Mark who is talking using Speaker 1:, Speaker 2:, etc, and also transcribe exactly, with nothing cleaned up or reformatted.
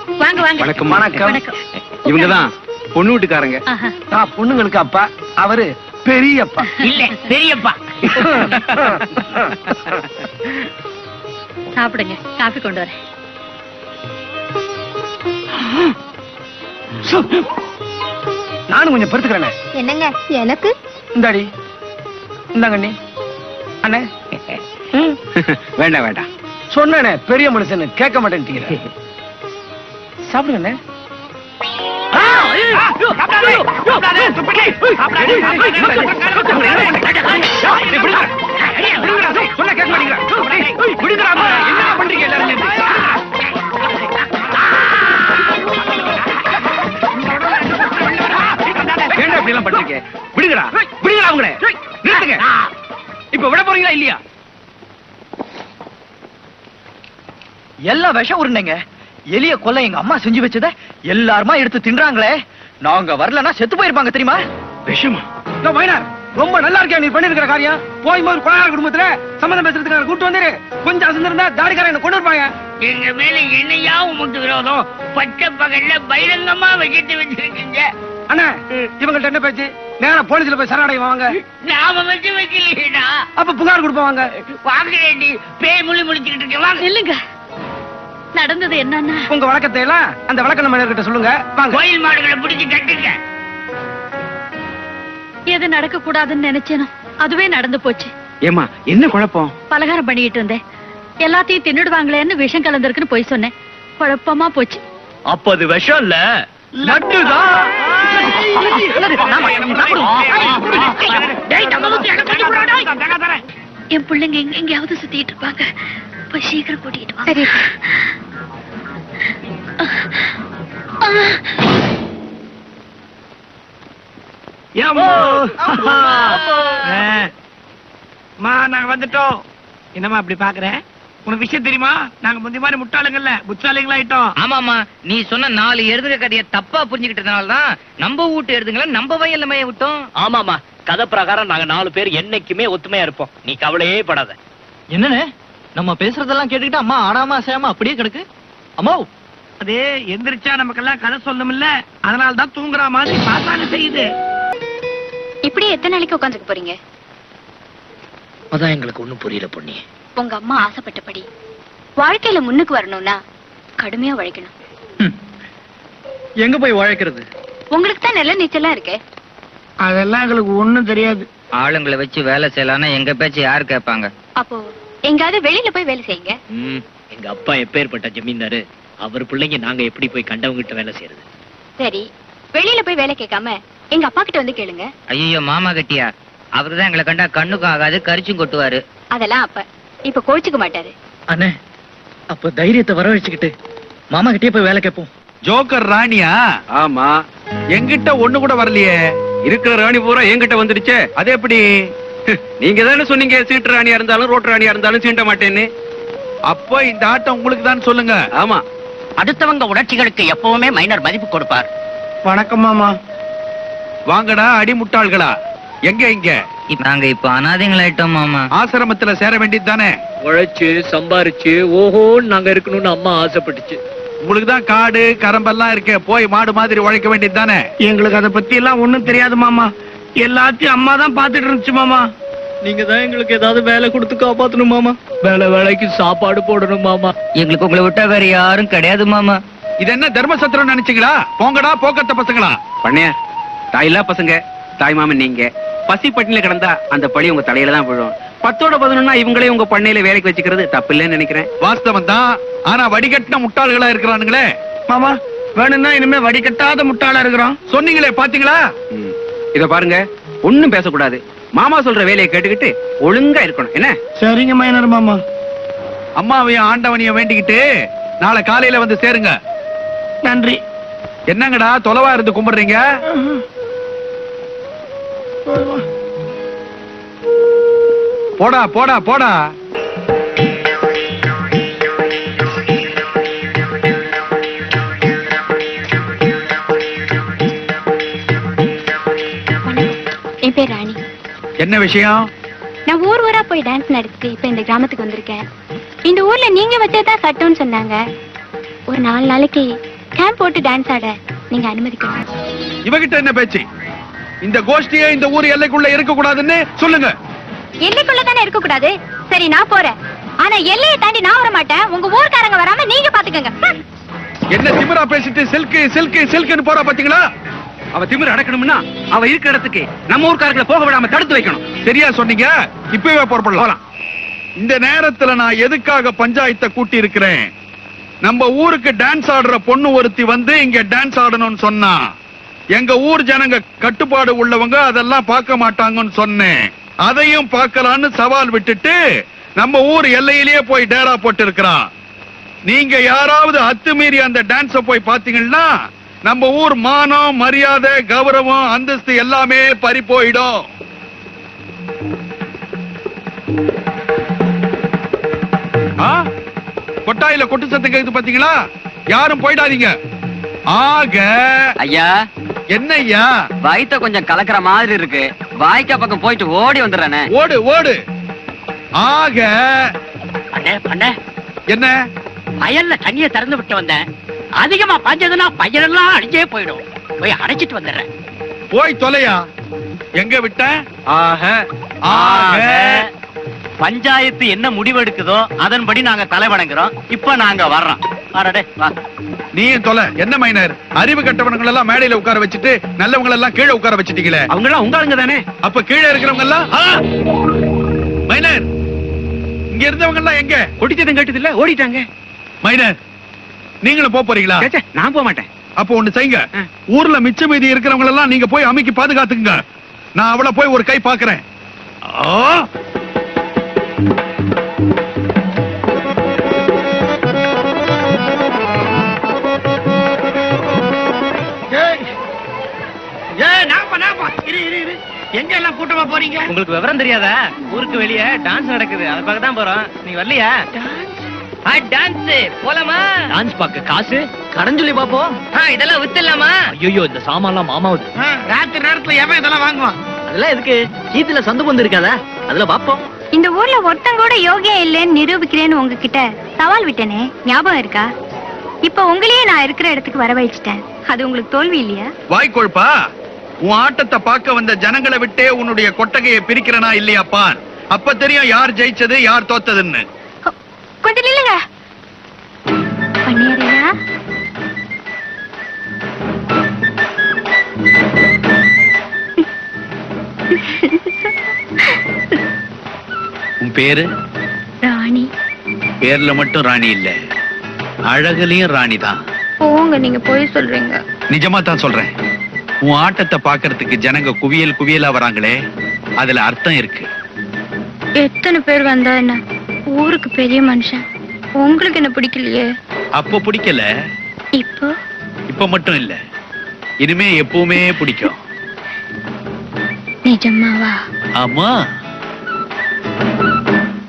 Speaker 1: வாங்க வாங்க.
Speaker 2: வணக்கம். வணக்கம். இவங்கதான் பொண்ணு வீட்டுக்காரங்க.
Speaker 3: நான் பொண்ணுங்களுக்கு அப்பா, அவரு பெரியப்பா.
Speaker 1: இல்ல பெரியப்பா. சாப்பிடுங்க, காஃபி கொண்டு வரேன்.
Speaker 3: நானும் கொஞ்சம் பொறுத்துக்கிறேன்.
Speaker 4: என்னங்க எனக்கு?
Speaker 3: இந்தாடி, இந்தாங்கண்ணி. அண்ணே
Speaker 2: வேண்டாம் வேண்டாம்
Speaker 3: சொன்னே, பெரிய மனுஷன் கேட்க மாட்டேன். சாப்பிடுங்க.
Speaker 2: இப்ப விட போறீங்களா இல்லையா?
Speaker 3: எல்லா விஷம் உருண்டைங்க. எலிய கொல்ல எங்க அம்மா செஞ்சு வச்சத எல்லாருமா எடுத்து தின்றாங்களே. நாங்க வரலன்னா செத்து போயிருப்பாங்க தெரியுமா?
Speaker 2: விஷமா?
Speaker 3: ரொம்ப நல்லா இருக்கே நீ பண்ணிருக்கிற காரியம். போய் போது கொலையாள குடும்பத்துல சம்பந்தம் பேசுறதுக்கு கூட்டு வந்துரு. கொஞ்சம் அசந்திருந்தா தாடிக்காரன் என்ன கொண்டு இருப்பாங்க.
Speaker 1: எங்க மேல என்னையா உமக்கு விரோதம்? பச்சை பகல்ல பகிரங்கமா வச்சுட்டு வச்சிருக்கீங்க.
Speaker 3: அண்ணா, இவங்கள்ட்ட என்ன பேச்சு? நேரா போலீஸ்ல போய் சரணடைவாங்க. வாங்க.
Speaker 1: நாம வச்சு வைக்கலையா?
Speaker 3: அப்ப புகார் கொடுப்பாங்க.
Speaker 1: வாங்குறேன்டி, பேய் முழி முடிச்சுக்கிட்டு இருக்கேன். வாங்க. இல்லைங்க, நடந்தது என்னன்னா,
Speaker 3: உங்க வழக்கத்தை எல்லாம் அந்த வழக்க நம்ம கிட்ட சொல்லுங்க. வாங்க.
Speaker 1: கோயில் மாடுகளை பிடிச்சு கட்டுங்க. எது நடக்க கூடாதுன்னு நினைச்சேனோ அதுவே நடந்து போச்சு.
Speaker 2: ஏமா என்ன குழப்பம்?
Speaker 1: பலகாரம் பண்ணிட்டு இருந்தேன், எல்லாத்தையும் தின்னுடுவாங்களேன்னு விஷம் கலந்திருக்குன்னு போய் சொன்னேன். குழப்பமா போச்சு.
Speaker 3: அப்ப அது விஷம் இல்ல, லட்டுதான்.
Speaker 1: என் பிள்ளைங்க எங்க எங்கேயாவது சுத்திட்டு இருப்பாங்க. போய் சீக்கிரம் கூட்டிட்டு வா. சரி.
Speaker 3: நாங்க வந்துட்டோம். என்னமா அப்படி பாக்குற? உனக்கு விஷயம் தெரியுமா? நாங்க முந்தி மாதிரி முட்டாளுங்கல்ல, புத்தாளிங்களா ஆயிட்டோம்.
Speaker 5: ஆமாமா, நீ சொன்ன நாலு எருதுக கதைய தப்பா புரிஞ்சுக்கிட்டதுனாலதான் நம்ம வீட்டு எருதுங்களை நம்ம வயல்ல மேய விட்டோம்.
Speaker 6: ஆமாமா, கதை பிரகாரம் நாங்க நாலு பேர் என்னைக்குமே ஒத்துமையா இருப்போம். நீ கவலையே படாத.
Speaker 3: என்னன்னு நம்ம பேசுறதெல்லாம் கேட்டுக்கிட்டு அம்மா ஆடாம அசையாம அப்படியே கிடக்கு. அம்மா, அது எந்திரிச்சா நமக்கெல்லாம் கதை சொல்லணும்ல, அதனாலதான் தூங்குற மாதிரி பாத்தானே செய்யுது.
Speaker 4: இப்படி எத்தனை நாளைக்கு உட்காந்துக்க போறீங்க?
Speaker 6: அதான் எங்களுக்கு ஒண்ணும் புரியல பொண்ணி.
Speaker 4: உங்க அம்மா ஆசைப்பட்டபடி வாழ்க்கையில முன்னுக்கு வரணும்னா கடுமையா உழைக்கணும்.
Speaker 3: எங்க போய் உழைக்கிறது?
Speaker 4: உங்களுக்கு தான் நல்ல நீச்சல்லாம் இருக்கே.
Speaker 3: அதெல்லாம் எங்களுக்கு ஒண்ணும் தெரியாது.
Speaker 5: ஆளுங்களை வச்சு வேலை செய்யலாம்னா எங்க பேச்சு யாரு கேட்பாங்க?
Speaker 4: அப்போ எங்காவது வெளியில போய் வேலை செய்யுங்க.
Speaker 6: எங்க அப்பா எப்பேற்பட்ட ஜமீன்தாரு, அவர் பிள்ளைங்க நாங்க எப்படி போய் கண்டவங்க கிட்ட வேலை செய்யறது?
Speaker 4: சரி, வெளியில போய் வேலை கேட்காம எங்க அப்பா கிட்ட வந்து கேளுங்க.
Speaker 5: ஐயோ, மாமா கட்டியா? அவருதான் எங்களை கண்டா கண்ணுக்கும் ஆகாது, கரிச்சும் கொட்டுவாரு.
Speaker 4: அதெல்லாம் அப்ப இப்ப கோச்சுக்க மாட்டாரு.
Speaker 3: அண்ணே, அப்ப தைரியத்தை வர வச்சுக்கிட்டு மாமா கிட்டே போய் வேலை கேட்போம்.
Speaker 2: ஜோக்கர் ராணியா? ஆமா, என்கிட்ட ஒண்ணு கூட வரலையே. இருக்கிற ராணி பூரா என்கிட்ட வந்துடுச்சே. அது எப்படி? நீங்க தானே சொன்னீங்க சீட்டு ராணியா இருந்தாலும் ரோட்டு ராணியா இருந்தாலும் சீண்ட மாட்டேன்னு. அப்போ இந்த ஆட்டம் உங்களுக்கு தான் சொல்லுங்க. ஆமா,
Speaker 6: அடுத்தவங்க உணர்ச்சிகளுக்கு எப்பவுமே மைனர் மதிப்பு கொடுப்பார்.
Speaker 3: வணக்கம் மாமா.
Speaker 2: வாங்கடா அடி முட்டாள்களா. எங்க இங்க
Speaker 5: நாங்க இப்ப அனாதைங்களாயிட்டோம் மாமா.
Speaker 2: ஆசிரமத்துல சேர வேண்டியது தானே.
Speaker 6: உழைச்சு சம்பாரிச்சு ஓஹோ நாங்க இருக்கணும்னு அம்மா ஆசைப்பட்டுச்சு.
Speaker 2: உங்களுக்கு தான் காடு கரம்பெல்லாம் இருக்கே, போய் மாடு மாதிரி உழைக்க வேண்டியது தானே.
Speaker 3: எங்களுக்கு அதை பத்தி எல்லாம் ஒண்ணும் தெரியாது மாமா. எல்லாத்தையும் அம்மா தான் பாத்துட்டு இருந்துச்சு மாமா.
Speaker 6: நீங்க தான் எங்களுக்கு ஏதாவது வேலை கொடுத்து காப்பாத்தணும் மாமா. வேலை வேலைக்கு சாப்பாடு போடணும் மாமா.
Speaker 5: எங்களுக்கு உங்களை விட்டா வேற யாரும் கிடையாது மாமா.
Speaker 2: இது என்ன தர்மசத்திரம் நினைச்சீங்களா? போங்கடா போக்கத்த பசங்களா. பண்ணையா, தாயில்லா பசங்க, தாய் மாமன் நீங்க. பசி பட்டினில கிடந்தா அந்த பழி உங்க தலையில தான் விழும். பத்தோட பதினொன்னா இவங்களே உங்க பண்ணையில வேலைக்கு வச்சுக்கிறது தப்பு இல்லைன்னு நினைக்கிறேன். வாஸ்தவம் தான், ஆனா வடிகட்டின முட்டாள்களா இருக்கிறானுங்களே.
Speaker 3: மாமா, வேணும்னா இனிமே வடிகட்டாத முட்டாளா இருக்கிறோம்
Speaker 2: சொன்னீங்களே, பாத்தீங்களா? இத பாருங்க, ஒண்ணும் பேசக்கூடாது. மாமா சொல்ற வேலையை கேட்டுக்கிட்டு ஒழுங்கா இருக்கணும். என்ன?
Speaker 3: சரிங்க மைனர் மாமா.
Speaker 2: அம்மாவையும் ஆண்டவனையும் வேண்டிக்கிட்டு நாளை காலையில வந்து சேருங்க.
Speaker 3: நன்றி.
Speaker 2: என்னங்கடா தொலைவா இருந்து கும்பிடுறீங்க? போடா போடா போடா.
Speaker 4: என் பேர் ராணி.
Speaker 2: என்ன விஷயம்?
Speaker 4: நான் ஊர் ஊரா போய் டான்ஸ் நடத்தி இப்ப இந்த கிராமத்துக்கு வந்திருக்கேன். இந்த ஊர்ல நீங்க வச்சதான் சட்டம்னு சொன்னாங்க. ஒரு நாலு நாளைக்கு ஸ்கேன் போட்டு டான்ஸ் ஆட நீங்க அனுமதிக்கணும்.
Speaker 7: இவகிட்ட என்ன பேச்சு? இந்த கோஷ்டியே இந்த ஊர் எல்லைக்குள்ள இருக்க கூடாதுன்னு சொல்லுங்க.
Speaker 4: எல்லைக்குள்ள தானே இருக்க கூடாது. சரி நான் போறேன். ஆனா எல்லையை தாண்டி நான் வர மாட்டேன். உங்க ஊர்க்காரங்க வராம நீங்க பாத்துக்கங்க.
Speaker 7: என்ன திமிரா பேசிட்டு சில்கு சில்கு சில்குன்னு போறா பாத்தீங்களா?
Speaker 2: அவ திமிர அடக்கணும்னா அவ இருக்கிற இடத்துக்கு நம்ம ஊர்க்காரர்களை போக விடாம தடுத்து வைக்கணும்.
Speaker 7: சரியா சொன்னீங்க. இப்பவே புறப்படலாம். இந்த நேரத்துல நான் எதுக்காக பஞ்சாயத்தை கூட்டி இருக்கிறேன்? நம்ம ஊருக்கு டான்ஸ் ஆடுற பொண்ணு ஒருத்தி வந்து இங்க டான்ஸ் ஆடணும்னு சொன்னா எங்க ஊர் ஜனங்க கட்டுப்பாடு உள்ளவங்க அதெல்லாம் பார்க்க மாட்டாங்கன்னு சொன்னேன். அதையும் பார்க்கலான்னு சவால் விட்டுட்டு நம்ம ஊர் எல்லையிலேயே போய் டேரா போட்டு இருக்கிறான். நீங்க யாராவது அத்துமீறி அந்த டான்ஸ போய் பாத்தீங்கன்னா நம்ம ஊர் மானம், மரியாதை, கௌரவம், அந்தஸ்து எல்லாமே பறி போயிடும். கொட்டாயில கொட்டு சத்தம் கேக்குது பாத்தீங்களா? யாரும் போயிடாதீங்க. ஆக
Speaker 8: ஐயா,
Speaker 7: என்ன ஐயா?
Speaker 8: வயித்த கொஞ்சம் கலக்கிற மாதிரி இருக்கு. வாய்க்கா பக்கம் போயிட்டு ஓடி வந்துடுறேனே.
Speaker 7: ஓடு ஓடு. ஆக
Speaker 5: அண்ணே பண்ண
Speaker 7: என்ன?
Speaker 5: வயல்ல தண்ணிய திறந்து விட்டு வந்தேன். அதிகமா பாஞ்சதுன்னா பயிரெல்லாம் அடிச்சே போயிடும். போய் அடைச்சிட்டு வந்துடுறேன்.
Speaker 7: போய் தொலையா. எங்க விட்ட?
Speaker 8: ஆக
Speaker 7: ஆக
Speaker 8: பஞ்சாயத்து என்ன முடிவெடுக்குதோ அதன்படி நாங்க தலை வணங்குறோம். இப்ப நாங்க வர்றோம். வாடா வா.
Speaker 7: நீயும் தொலை. என்ன மைனர், அறிவு கட்டவனங்கள் எல்லாம் மேடையில உட்கார வச்சுட்டு நல்லவங்க எல்லாம் கீழே உட்கார வச்சுட்டீங்களே.
Speaker 2: அவங்க எல்லாம் உங்க ஆளுங்க தானே?
Speaker 7: அப்ப கீழே இருக்கிறவங்க எல்லாம் மைனர், இங்க இருந்தவங்க எல்லாம் எங்க?
Speaker 2: கொட்டிச்சதம் கேட்டது இல்ல, ஓடிட்டாங்க.
Speaker 7: மைனர், நீங்களும் போக போறீங்களா?
Speaker 2: சேச்சே, நான் போக மாட்டேன்.
Speaker 7: அப்போ ஒண்ணு செய்யுங்க. ஊர்ல மிச்ச மீதி இருக்கிறவங்க எல்லாம் நீங்க போய் அமைக்கி பாதுகாத்துக்குங்க. நான் அவளை போய் ஒரு கை பாக்குறேன்.
Speaker 3: எங்க எல்லாம் கூட்டமா போறீங்க?
Speaker 5: உங்களுக்கு விவரம் தெரியாதா? ஊருக்கு வெளியே டான்ஸ் நடக்குது. அதை பார்க்க தான் போறோம். நீங்க வரலையா? டான்ஸ் போலாமா?
Speaker 6: டான்ஸ் பார்க்க காசு கடன் சொல்லி பாப்போம்.
Speaker 5: இதெல்லாம் வித்துலாமா?
Speaker 6: ஐயோ, இந்த சாமான்லாம் மாமாவுது.
Speaker 3: ராத்திரி நேரத்துல எவன் இதெல்லாம் வாங்குவான்?
Speaker 6: அதெல்லாம் எதுக்கு? சீத்துல சந்து பந்து இருக்காதா? அதுல பாப்போம்.
Speaker 4: இந்த ஊர்ல ஒருத்தன் கூட யோகியா இல்லைன்னு நிரூபிக்கிறேன்னு உங்ககிட்ட சவால் விட்டேனே, ஞாபகம் இருக்கா? இப்ப உங்களையே நான் இருக்கிற இடத்துக்கு வரவழைச்சிட்டேன். அது உங்களுக்கு தோல்வி இல்லையா?
Speaker 7: வாய்க்கொழுப்பா, உன் ஆட்டத்தை பார்க்க வந்த ஜனங்களை விட்டே உன்னுடைய கொட்டகையை பிரிக்கிறனா இல்லையாப்பா? அப்ப தெரியும் யார் ஜெயிச்சது யார் தோத்ததுன்னு.
Speaker 4: கொஞ்சம் நில்லுங்க. பண்ணியறையா?
Speaker 7: உன் பேரு?
Speaker 4: ராணி.
Speaker 7: பேர்ல மட்டும் ராணி இல்ல, அழகுலயும் ராணி தான்.
Speaker 4: போங்க, நீங்க போய் சொல்றீங்க.
Speaker 7: நிஜமா தான் சொல்றேன். உன் ஆட்டத்தை பாக்குறதுக்கு ஜனங்க குவியல் குவியலா வராங்களே, அதுல அர்த்தம் இருக்கு.
Speaker 4: எத்தனை பேர் வந்தா என்ன? ஊருக்கு பெரிய மனுஷன். உங்களுக்கு என்ன பிடிக்கலையே?
Speaker 7: அப்ப பிடிக்கல,
Speaker 4: இப்போ
Speaker 7: இப்ப மட்டும் இல்ல, இனிமே எப்பவுமே பிடிக்கும்.
Speaker 4: நிஜமாவா?
Speaker 7: ஆமா.